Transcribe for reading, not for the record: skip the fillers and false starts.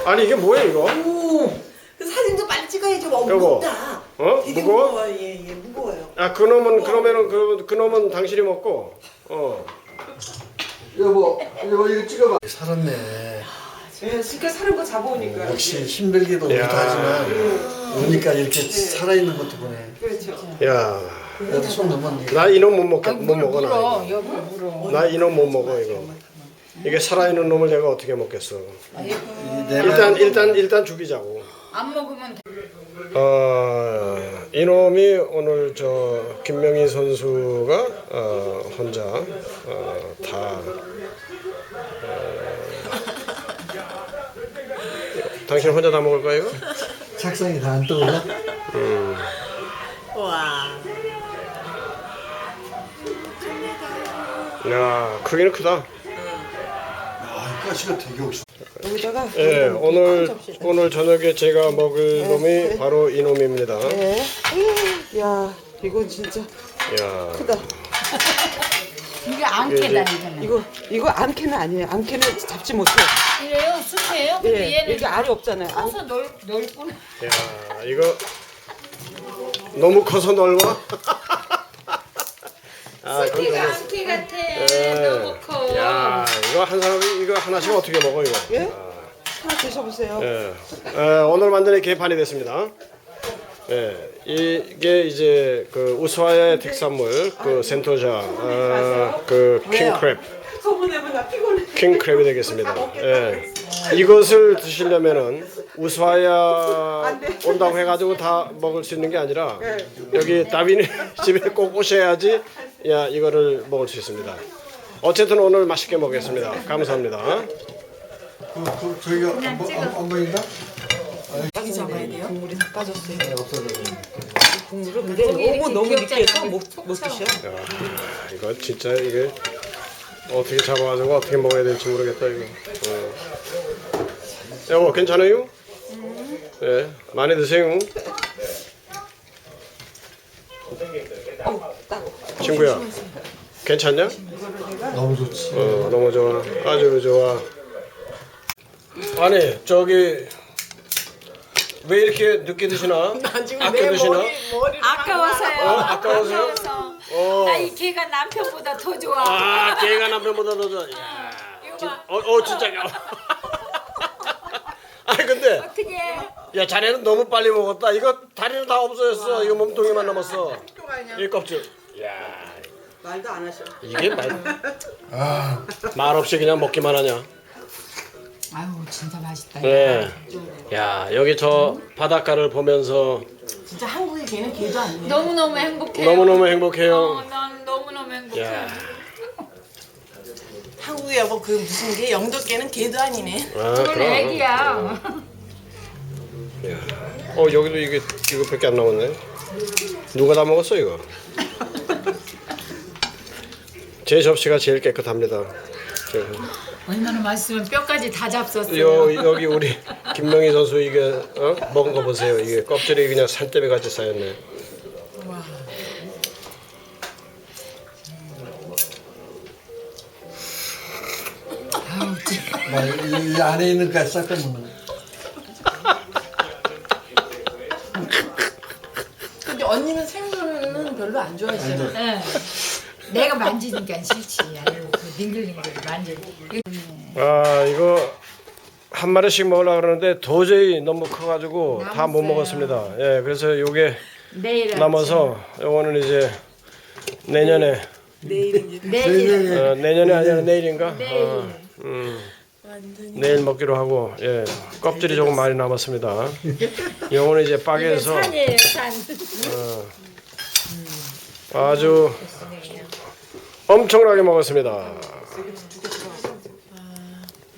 아니 이게 뭐야 이거? 오, 그 사진도 빨리 찍어야지. 여보. 무겁다. 어? 되게 무거워? 무거워. 예, 무거워요. 아 그놈은 그러면은 그놈은 당신이 먹고. 여보 이거 찍어봐. 살았네. 예, 그러니까 사는 거 잡아오니까. 역시 힘들기도 못하지만 오니까 이렇게 살아있는 것도 보네. 그렇죠. 야, 나도 손 넘었네. 나 이놈 못 먹어 나. 물어 여기 물어. 나 이놈 못 먹어 이거. 이게 살아있는 놈을 내가 어떻게 먹겠어? 일단 죽이자고. 안 먹으면 돼. 이놈이 오늘 저 김명희 선수가 혼자 다 당신 혼자 다 먹을 거야 이거? 착상이 다 안 떠올라? 와. 야 크기는 크다. 아, 가시가 되게 없어. 여기다가. 예, 오늘 저녁에 제가 먹을 놈이 바로 이 놈입니다. 네. 야, 이건 진짜 야, 크다. 이게 안캐다니잖아. 이거 암캐는 아니에요. 암캐는 잡지 못해. 이래요? 숲이에요? 근데 예, 얘는 여기 알이 없잖아요. 커서 넓구나. 야, 이거 너무 커서 넓어. 아, 숲이가 안캐 같아. 너무 커. 야, 이거 한 사람이 이거 하나씩 어떻게 먹어 이거? 예? 하나 드셔보세요. 예. 오늘 완전히 개판이 됐습니다. 예, 이게 이제 그 우스와야의 특산물 그 센토자 그 킹크랩. 소문내면 나 피곤해. 킹크랩이 되겠습니다. 예. 이것을 드시려면은 우스와야 온다고 해가지고 다 먹을 수 있는 게 아니라 여기 따비네 집에 꼭 오셔야지 야 이거를 먹을 수 있습니다. 어쨌든 오늘 맛있게 먹겠습니다. 감사합니다. 저희가 안 보인다? 여기 잡아야 돼요? 국물이 다 빠졌어요. 네, 없어졌네. 국물은 근데 너무 느끼해서 못 드셔. 야, 이거 진짜 이게 어떻게 잡아가지고 어떻게 먹어야 될지 모르겠다 이거. 여보 괜찮아요? 예, 많이 드세요. 친구야, 괜찮냐? 너무 좋지. 너무 좋아. 아주 좋아. 아니 저기 왜 이렇게 늦게 드시나? 아껴 드시나? 아까워서요. 아까워서요? 나 이 개가 남편보다 더 좋아. 아, 걔가 남편보다 더 좋아. 야, 진짜. 아니 근데 어떻게? 야 자네는 너무 빨리 먹었다. 이거 다리는 다 없어졌어. 이거 몸통이만 남았어. 이 껍질. 야, 말도 안 하셔. 이게 말 없이 그냥 먹기만 하냐? 아유 진짜 맛있다. 네. 야 여기 저 바닷가를 보면서 진짜 한국의 개는 개도 아니에요. 너무너무 행복해. 너무너무 행복해요. 난 너무너무 행복해. 야, 한국에 뭐 그 무슨 개 영도 개는 개도 아니네. 그럼. 그건 애기야. 여기도 이거밖에 안 남았네. 누가 다 먹었어 이거? 제 접시가 제일 깨끗합니다. 얼마나 맛있으면 뼈까지 다 잡섰어요. 여기 우리 김명희 선수 이게 먹은 거 보세요. 이게 껍질이 그냥 산더미 같이 쌓였네. 이 안에 있는 까지 싹 빼먹는. 근데 언니는 생선은 별로 안 좋아하시잖아요. 네. 내가 만지니까 싫지. 아이고 그 닝글닝글 만지고. 아 이거 한 마리씩 먹으려고 그러는데 도저히 너무 커가지고 다 못 먹었습니다. 예, 그래서 요게 내일 남아서 요거는 이제 내년에 내일 내년이 아니라 내일인가? 내일. 내일 먹기로 하고 예 껍질이 조금 많이 남았습니다. 요거는 이제 빠개서 산이에요 산. 아주 엄청나게 먹었습니다.